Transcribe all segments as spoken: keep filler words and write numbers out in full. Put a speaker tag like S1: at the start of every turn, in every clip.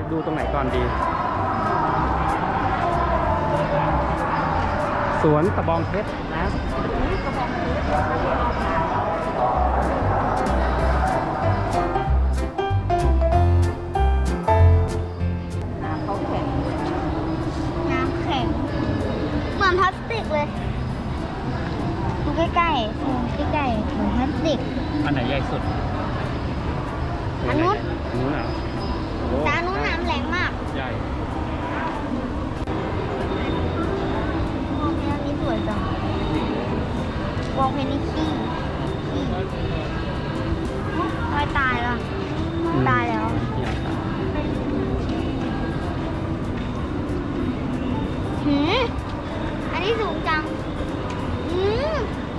S1: ดูตรงไหนก่อนดี สวนตะบองเพชรนะ
S2: น้ำเขาแข็งน้ำแข็งเหมือนพลาสติกเลยดูใกล้ๆซูมใกล้ๆเหมือนพลาสติก
S1: อันไหนใหญ่สุด
S2: อันนู้น
S1: อันนู้นเหรอโอ้
S2: แต่อันนู้นน้ำแรงมาก
S1: ใหญ่
S2: วอลเพนนี้สวยจังวอลเพนนี่ขี้ขี้ตายตายแล้วตายแล้วหืมอันนี้สูงจังอืม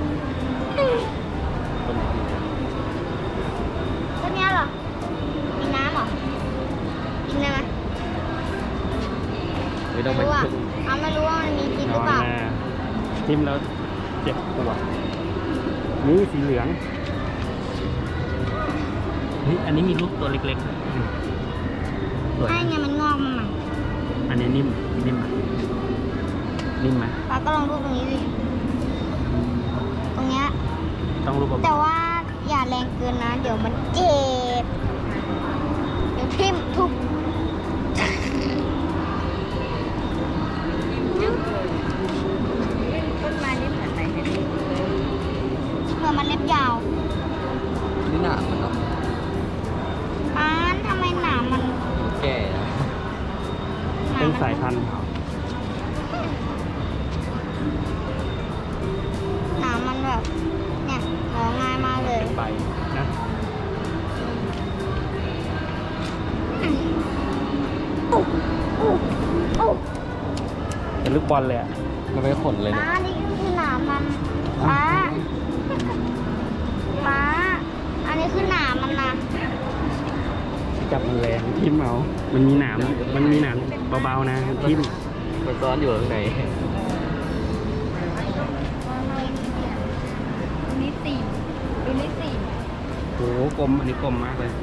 S2: ต้นนี้เหรอมีน้ำเหรอกินได้ไหม
S1: ไม่ต้องไป
S2: รู้อ่ะ
S1: ถึง
S2: เอาไม่รู้ว่ามันมีจริงห
S1: น
S2: รือ
S1: อน
S2: เปล่า
S1: แน่ทิมแล้วเจ็บปวดนี่สีเหลืองเฮ้ยอันนี้มีรูปตัวเล็กๆสวย
S2: ใช่ไงมันงอกมาใหม่
S1: อันนี้นิ่มนิ่มไหมนิ่มไหม
S2: ป้าก็ลองรูปตรงนี้ดิตรงเนี้ย
S1: ต้องรูป
S2: แต่ว่าอย่าแรงเกินนะ เดี๋ยวมันเจ็บ เดี๋ยวทิ่มทุบต้นไม้นี่เหมือนอะไรเนี่ยเหมือนมันเล็บยาว
S3: นี่หนามันเนาะ
S2: อ้านทำไมหนามมัน
S3: แก่นะ
S2: ห
S1: เป็น
S2: มั
S1: สายพันธุ์
S2: หนามมันแบบ เนี่ยงอง่ายมากเลย
S1: เป็นใบนะ เป็นลูกบอลเลยอ่ะ
S3: มันไม่ขนเลยเนี่ย
S2: ป้านี่คือหนามมันป้าป้าอันนี้คือหนามมันนะ
S1: จับมันแรงทิ่มเอามันมีหนามมันมีหนามเบาๆนะทิ่ม
S3: มันซ้อนอยู่ข้างใน
S2: นี่สี่ดูนี่สี่
S1: โอ้โหกลมอันนี้กลมมากเลย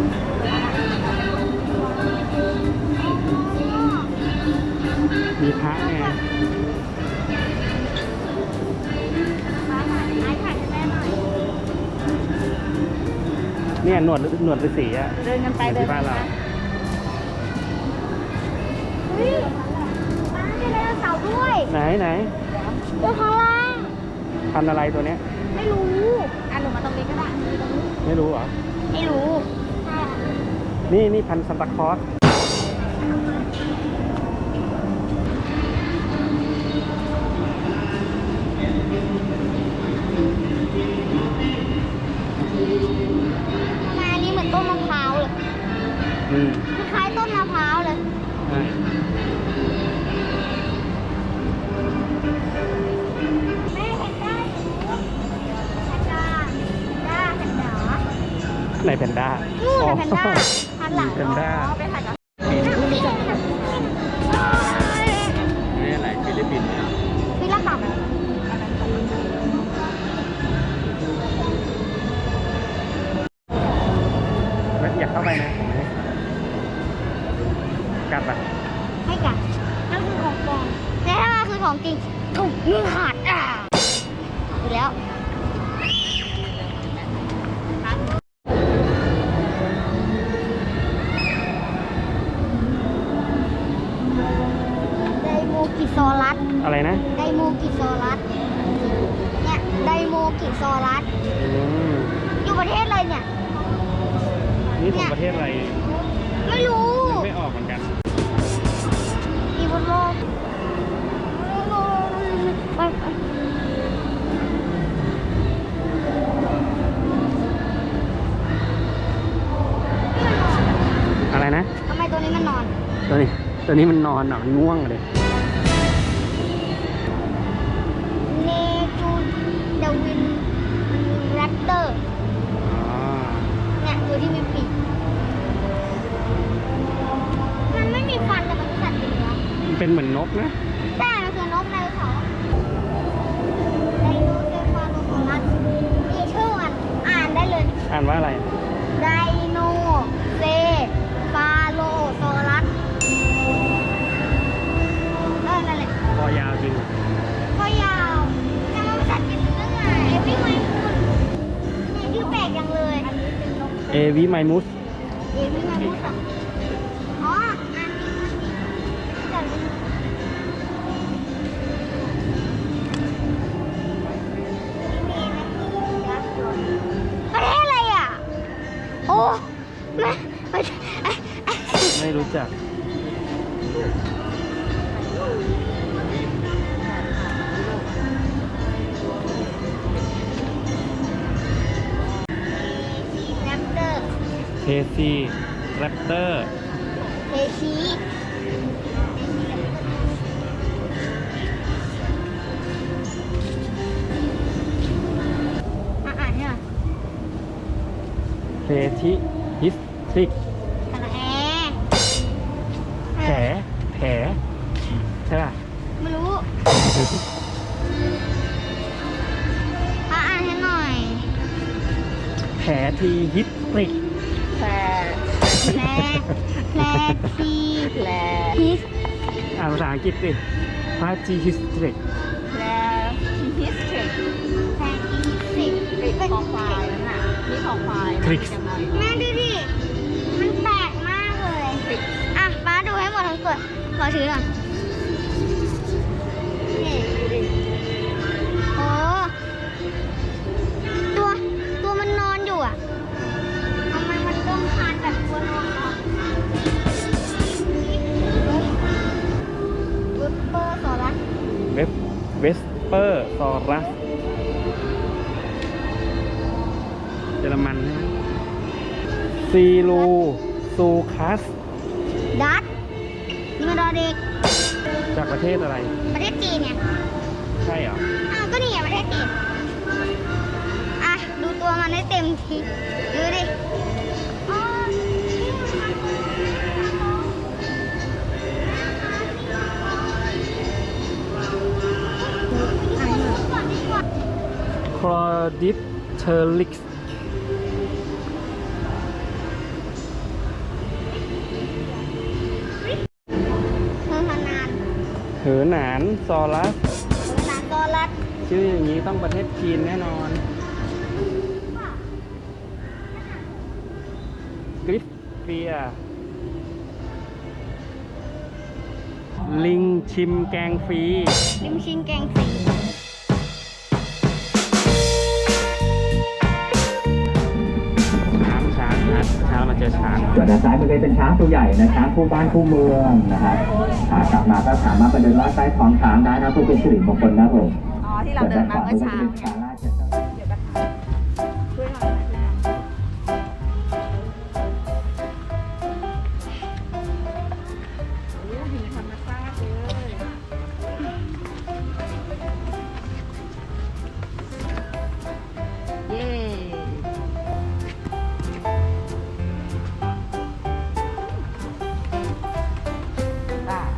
S1: มีพระไง
S2: ป้าถ่ายไอ้ถ่ายให้แม่หน่อย
S1: เนี่ยหนวดหนวดฤาษีอ่ะ
S2: เดินกันไป
S1: เหมือน
S2: เดิน
S1: ที่บ้านเรา
S2: เฮ้ยป้ามีไดโนเสาร์ด้วย
S1: ไหนไหน
S2: ตัวข้างล่าง
S1: พันธุ์อะไรตัวเนี้ย
S2: ไม่รู้อ่ะหนูมาตรงนี้ก็ได้
S1: ไม่รู้เหรอ
S2: ไม่รู้
S1: นี่นี่พันธุ์ซันตาคลอส
S2: ทำไมอันนี้เหมือนต้นมะพร้าวเลย
S1: อืม
S2: คล้ายๆต้นมะพร้าวเลย
S1: อ่ะ
S2: แม่เห็นได้แพนด้าแพนด้าแพนด้า
S1: ไหนแพนด้า
S2: นู่น
S1: อ๋อ
S2: น่ะแพนด้าหันหลัง
S1: แพนด้า
S2: ไปถ่ายกับ
S3: นี่อะไรฟิลิปปินส์เนี่ย
S2: พี่ละต่ำ
S1: อยากเข้าไปนะกัดปะ
S2: ให้กันนั่นคือของปลอมแต่ถ้ามันคือของจริงถูกมือขาดอ่ะอยู่แล้วไดโมกิซอรัส
S1: อะไรนะ
S2: ไดโมกิซอรัสเนี่ยไดโมกิซอรัส
S1: อืม
S2: อยู่ประเทศอะไรเนี่ย
S1: นี่ของประเทศอะไร
S2: ไม่รู้
S1: นึกไม่ออกเหมือนกัน
S2: อีบนโลกไปไป
S1: อะไรนะ
S2: ทำไมตัวนี้มันนอน
S1: ตัวนี้ ตัวนี้มันนอนอ่ะมันง่วงเลย
S2: เนจูเดวินแรปเตอร์
S1: อ๋อ
S2: เนี่ยตัวที่มีปีกมันไม่มีฟันแต่มันเป็นสัตว์เลี้ยง
S1: มันเป็นเหมือนนกนะ
S2: ใช่มันคือนกไดโนเสาร์ไดโนเสาร์ฟาโลโซรัสมีชื่อมันอ่านได้เลย
S1: อ่านว่าอะไร
S2: ไดโนเซฟาโลโซรัส
S1: อยาวจริง
S2: คอยาวแต่มันภาษาจีนเรื่องไงเอวี่ไมมูนนี่ชื่อแปลกจังเลยอันนี้เป็นนก
S1: เอวิไมมุส
S2: เอวี่ไมมูนอ่ะอ๋ออันนี้อันนี้ประเทศอะไรอ่ะ โอ้ไม่ไม่
S1: ไม่รู้จัก
S2: แรปเตอร์
S1: เคซีแรปเตอร์
S2: เอชีอ่านเนี่ย
S1: เพทิฮิสทริก
S2: สระแอ
S1: แผลแผลใช่ป่ะ
S2: ไม่รู้อ่านให้หน่อย
S1: แผลทีฮิสทริก
S2: แพรแพรแพรทีแพรฮิส
S1: อ่านภาษาอังกฤษสิพาจีฮิสทริก
S2: แพรฮิสทริกแพรฮิสทริกเป็นของควายนั่นน่ะนี่ของควาย
S1: ทริก
S2: แม่ดูดิ มันแปลกมากเลย อ่ะป้าดูให้หมดทั้งตัวขอถือหน่อยนี่โอ้ตัว ตัวมันนอนอยู่อ่ะทำไมมันต้องคานแบบตัวนอนเนาะเวสเปอร์สอรัส
S1: เวสเวสเปอร์ซอรัสเยอรมันใช่ไหมซีลูซูคัส
S2: ดัตนี่มันดอเด็ก
S1: จากประเทศอะไร
S2: ประเทศจีนเนี่ย
S1: ใช่เหรอ
S2: อ้าวก็นี่ไงประเทศจีนอ่ะ ดูตัวมันให้เต็มทีดูดิอ๋อนี่มันอ่านหน่อยก่อนดีกว่า
S1: คลอดิปเทอริก
S2: เธอมานาน
S1: เหอหนานซอรัส
S2: เธอมานานตัวรัด
S1: ชื่ออย่างนี้ต้องประเทศจีนแน่นอน กริฟเฟีย ลิงชิมแกงฟรี
S2: ลิมชินแกงสี
S1: ช้างช้างนะช้างมาเจอช้าง
S4: ส่วนด้านซ้ายมือก็เป็นช้างตัวใหญ่นะช้างคู่บ้านคู่เมืองนะครับอ่ากลับมาก็สามารถไปเดินลอดใต้ท้องช้างได้นะเพื่อเป็นสิริมงคลนะผม
S5: อ๋อที่เราเดินมาเมื่อเช้า
S4: ส่วนด้นขว
S5: เนี่ย
S4: ก็จะเป็นศาลาเจ็ด
S5: เดี๋ยวกันช่วยหน่อยนะโอ้ยอยู่ในธรรมชาติเลยเย้อ่ะ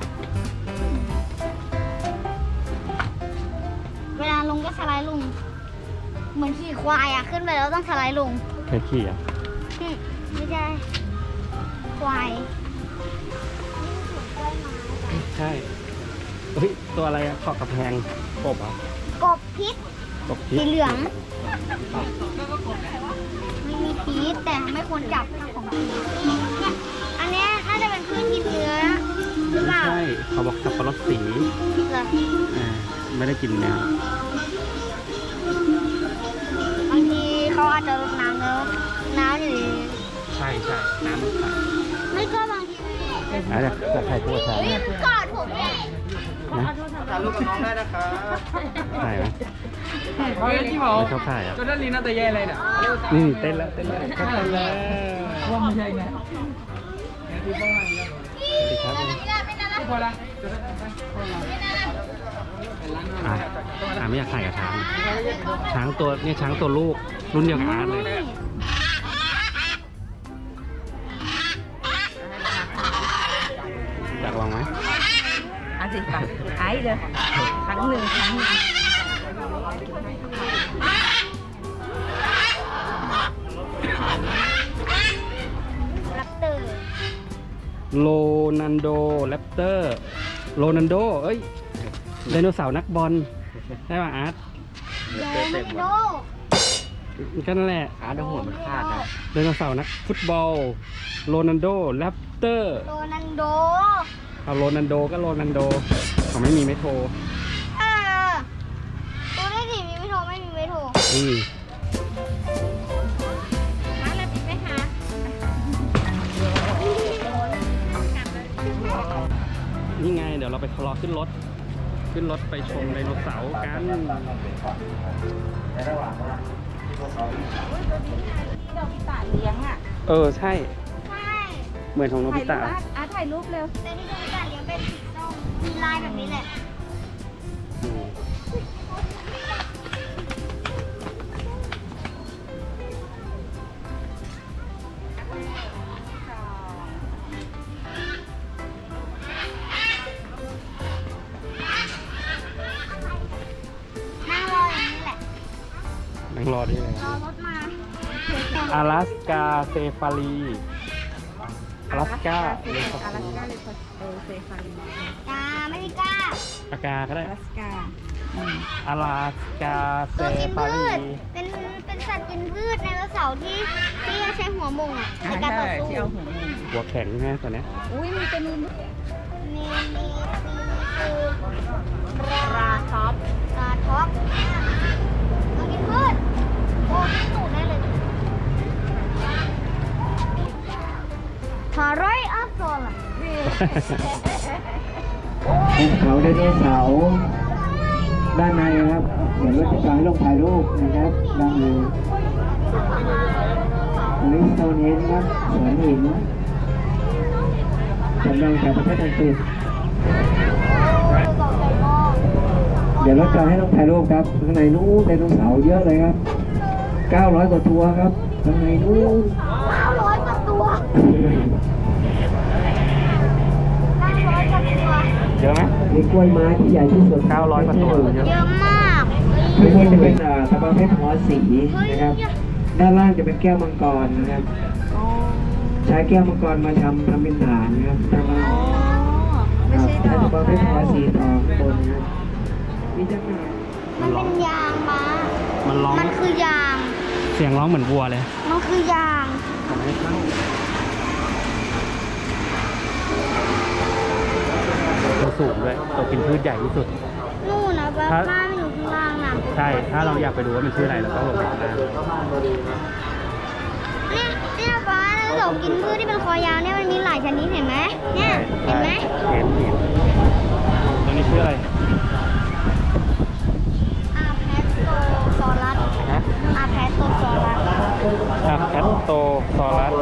S2: เวลาลงก็สไลด์ลง เหมือนขี่ควายอ่ะ ขึ้นไปแล้วต้องสไลด์ลง
S1: เคยขี่อ่ะ
S2: อืมไม่ใช่ ควาย
S1: ใช่ เฮ้ย ตัวอะไรอะขอบกระแพงกบเหรอ่ะ
S2: กบพิษ
S1: กบพิ
S2: สี
S1: ษ
S2: เหลือง ไม่มีพิษแต่ไม่ควรจับถ้าของพิษเนี่ยอันเนี้ยน่าจะเป็นพืชกินเนื้อหรือเป
S1: ไม่
S2: ล่า
S1: ใช่ เขาบอกสับปะรดสี
S2: เหรอ
S1: อ่าไม่ได้กินเนื้อบ
S2: างทีเขาอาจจะรดน้ำแล้วน้ำอยู่
S1: ใช่ใช่น้ำมันใส
S2: ไม่ก็บางที
S1: อ่ะจะจะไข่ตัวช้าง
S2: เฮ้ยมันกอดผมเลย
S1: นะ
S3: ถ่ายรูปกับน้องได้นะครับ
S1: ถ่ายไหม
S3: เฮ้ยที่บอก
S1: ไม่ชอบถ่ายอ่ะ
S3: จนด้านนี้น่าจะแย่เลยเนี่ย
S1: นี่เต้นแล้วเต้นแล้วเต้นแล้ว
S3: ว่าไม่ใช่ไง
S1: สวัสดีครับ
S3: พอละ
S1: อ่ะอ่ะไม่อยากถ่ายกับช้าง ช้างตัวเนี่ยช้างตัวลูก รุ่นเดียวกับอาร์ตเลย อยากลองไหม
S5: อ่ะสิไปไอ้เดี๋ยวครั้งหนึ่งครั้งหนึ่ง
S2: รับเตอร์
S1: โรนันโดแรปเตอร์ โรนันโด เอ้ยไดโนเสาร์นักบอลใช่ป่ะอาร์ต
S2: โดมันโด
S1: ก็นั่นแหละ
S3: ขาดหัวมันขาดนะ
S1: ไดโนเสาร์นักฟุตบอลโรนัลโดแรปเตอร์
S2: โดนันโด
S1: เอาโรนัลโดก็โรนัลโดเขาไม่มีไม่โทร
S2: เออตัวได้ดิมีไม่โทรไม่มีไม่โทร
S1: อืม
S2: มาแล้วปิดไปหา
S1: นี่ไงเดี๋ยวเราไปรอขึ้นรถ ขึ้นรถไปชมไดโนเสาร์กัน
S5: ที่เราพิตาเลี้ยงอ่ะ
S1: เออใช่
S2: ใช่
S1: เหมือนของโน
S5: ถ่า
S1: บิ
S5: ยรู
S1: ตะ
S5: ปอาร์ตอาร์ตถ่ายรูปเร็ว
S2: แต่ที่โดนกัดเลี้ยงเป็นสีส้มมีลายแบบนี้แหละ
S1: อืม
S2: นั่งรออย่างนี้แหละ
S1: นั่งรอได้เลย
S2: รอรถมา
S1: 阿拉斯กาเซฟารี阿拉斯กา
S5: อาลาสกาเลยเออเซฟารี
S2: จ้าไม่มีกล้า
S1: อากาก็ได้
S5: อาลาสกาอืม
S1: 阿拉斯กาเซ
S2: ตัวกิน
S1: ฟา
S2: พื
S1: รี
S2: ช เป็นเป็นสัตว์กินพืชในไดโนเสาร์ที่ที่ใช้หัวมุงอ่ะใน
S5: อ่า
S2: การต่อ
S5: ใช่
S2: สู้
S5: ที่เอาหัวงู
S1: หัวแข็งใช่ไหมตัวเนี้ย
S5: อุ้ยมีตัวนึง
S2: มีมีมีคือ
S5: ราท็อป
S2: ปลาท็อกตัวกินพืชโอ้กินหนูได้เลยทาร้อยอัพโซล่ะ
S4: ภูเขาไดโนเสาร์ด้านในนะครับเดี๋ยวรถจะจอดให้ลงถ่ายรูปนะครับด้านในลิสโตนเฮนครับสวนหินจำลองจากประเทศอังกฤษเดี๋ยวรถจอดให้ลงถ่ายรูปครับข้างในนู้นไดโนเสาร์เยอะเลยครับเก้าร้อยกว่าตัวครับข้างในนู้น
S2: เก้าร้อยกว่าตัวเก้าร้อยกว่าตัว
S1: เยอะไหม
S4: มีกล้วยไม้ที่ใหญ่ที่สุด
S1: เก้าร้อยกว่าตัวเยอะ
S2: เยอะมาก
S4: ข้างบนจะเป็นอ่าตะบองเพชรหัวสีนะครับ ด้านล่างจะเป็นแก้วมังกรนะครับ ใช้แก้วมังกรมาทำทำเป็นฐานนะครับทำมา
S5: ไม่ใช่ด
S4: ใช้
S5: อก
S4: ตะบองเพชรหัวสีทองข้างบนนะครับมีจังหวะ
S2: มันเป็นยางม้า
S1: มันร้อง
S2: มันคือยาง
S1: เสียงร้องเหมือนวัวเลย
S2: มันคือยาง
S1: ผมไม่เข้าตัวสูงด้วยตัวกินพืชใหญ่ที่สุด
S2: นู่นนะบ้า
S1: ถ้า
S2: บ้านอยู่ข้างล่างน่ะ
S1: ใช่ ถ้าเราอยากไปดูว่ามันชื่ออะไรเราต้องลงไปข้างล่าง
S2: เนี่ยที่เราบ้านเรากินพืชที่เป็นคอยาวเนี่ยมันมีหลายชนิดเห็นไหมเนี่ยเห็นไหม
S1: เห็นเห็นตัวนี้ชื่ออะไร
S2: อาแพสโตซอรัส
S1: ฮะ
S2: อาแพสโตซอรัส
S1: อะแคตโตซอรัส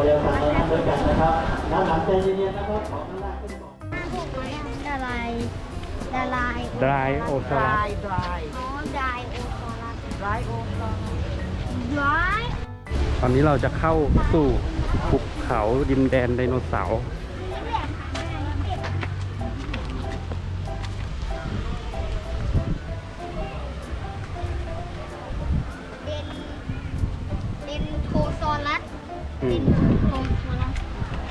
S2: ดาลายดาลาย
S1: ไดรโอซอ
S5: ด
S1: รั
S5: รา
S1: ส
S5: ยดราย
S2: อ๋อไดโอซอรัส
S5: ดรายโอซอรัส
S2: ได
S1: ตอนนี้เราจะเข้าสู่ภูเขาดินแดนไดโนเสาร์
S2: เดนเดนโทซอรัส
S1: อื
S2: เด
S1: ม
S2: นโทซอรัส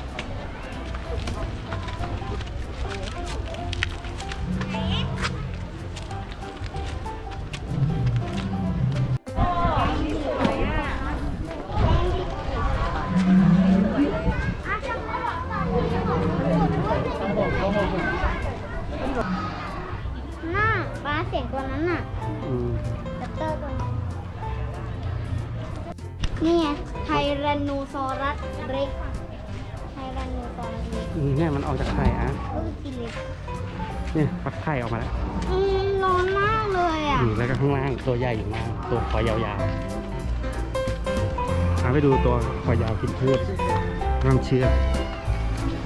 S2: น่าปลาเสียงตัวนั้นน่ะ
S1: อืม
S2: แรปเตอร์ตัวนั้นนี่ไงไทแรนโนซอรัสเร็กไทแรนโนซอรัสเร็ก
S1: อืมเนี่ยมันออกจากไข่อะ
S2: ก็คือกินเล็ก
S1: เนี่ยฟักไข่ออกมาแล้ว
S2: อืมร้อนมากเลยอ่ะ
S1: อืมแล้วก็ข้างล่างตัวใหญ่อยู่ล่างตัวคอยาวๆพาไปดูตัวคอยาวกินพืชน้ำเชื่อม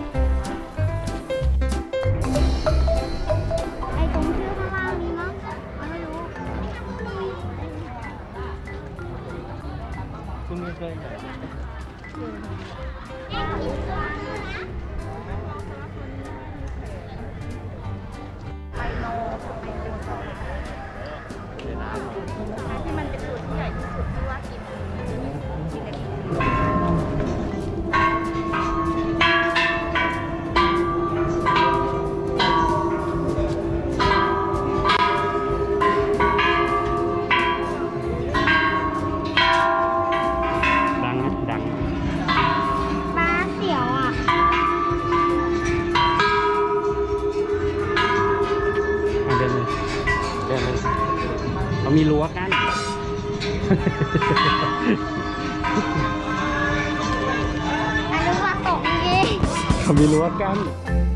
S2: ไอ้ตรงชื่อข้างล่างนี้มั้งที่มันเป็นตัวที่ใหญ่ที่สุดที่ว่ากินกินได้
S1: ดังนะดัง
S2: ปลาเสียวอ่ะ
S1: อ่ะเดินเลยเดินเลยเขามีรั้วกั้น
S2: อันนี้ว่าตกจริง
S1: เขามีรั้วกั้น
S2: ๆ